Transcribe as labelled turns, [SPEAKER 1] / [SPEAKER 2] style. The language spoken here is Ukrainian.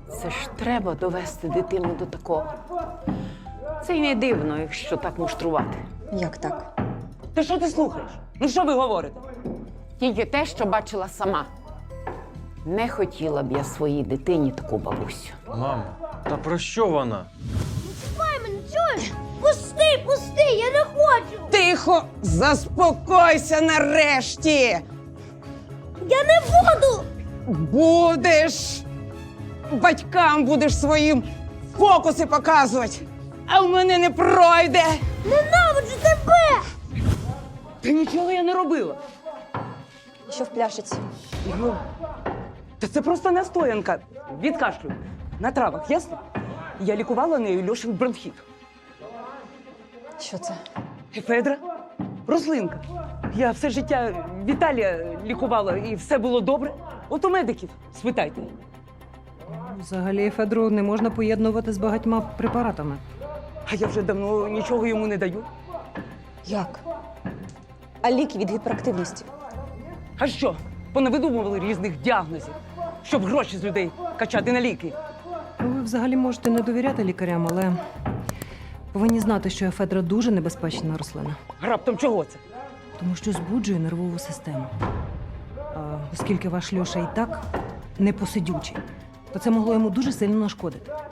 [SPEAKER 1] Це ж треба довести дитину до такого. Це й не дивно, якщо так муштрувати.
[SPEAKER 2] Як так?
[SPEAKER 3] Ти що ти слухаєш? Ну що ви говорите?
[SPEAKER 1] Тільки те, що бачила сама. Не хотіла б я своїй дитині таку бабусю.
[SPEAKER 4] Мамо, та про що вона?
[SPEAKER 5] Чіпай мене, чуєш? Пусти, пусти, я не хочу!
[SPEAKER 3] Тихо! Заспокойся нарешті!
[SPEAKER 5] Я не буду!
[SPEAKER 3] Будеш! Батькам будеш своїм фокуси показувати! А в мене не пройде!
[SPEAKER 5] Ненавиджу тебе!
[SPEAKER 3] Та нічого я не робила!
[SPEAKER 2] Що в пляшиці?
[SPEAKER 3] Ну, та це просто настоянка від кашлю. На травах, ясно? Я лікувала нею Льошин бронхіт.
[SPEAKER 2] Що це?
[SPEAKER 3] Ефедра? Рослинка. Я все життя Віталія лікувала і все було добре. От у медиків спитайте.
[SPEAKER 6] Взагалі ефедру не можна поєднувати з багатьма препаратами.
[SPEAKER 3] А я вже давно нічого йому не даю.
[SPEAKER 2] Як? А ліки від гіперактивності?
[SPEAKER 3] А що? Понавидумували різних діагнозів, щоб гроші з людей качати на ліки.
[SPEAKER 6] Ну, ви взагалі можете не довіряти лікарям, але повинні знати, що ефедра дуже небезпечна рослина,
[SPEAKER 3] Раптом чого це?
[SPEAKER 6] тому що збуджує нервову систему. А оскільки ваш Льоша і так непосидючий, то це могло йому дуже сильно нашкодити.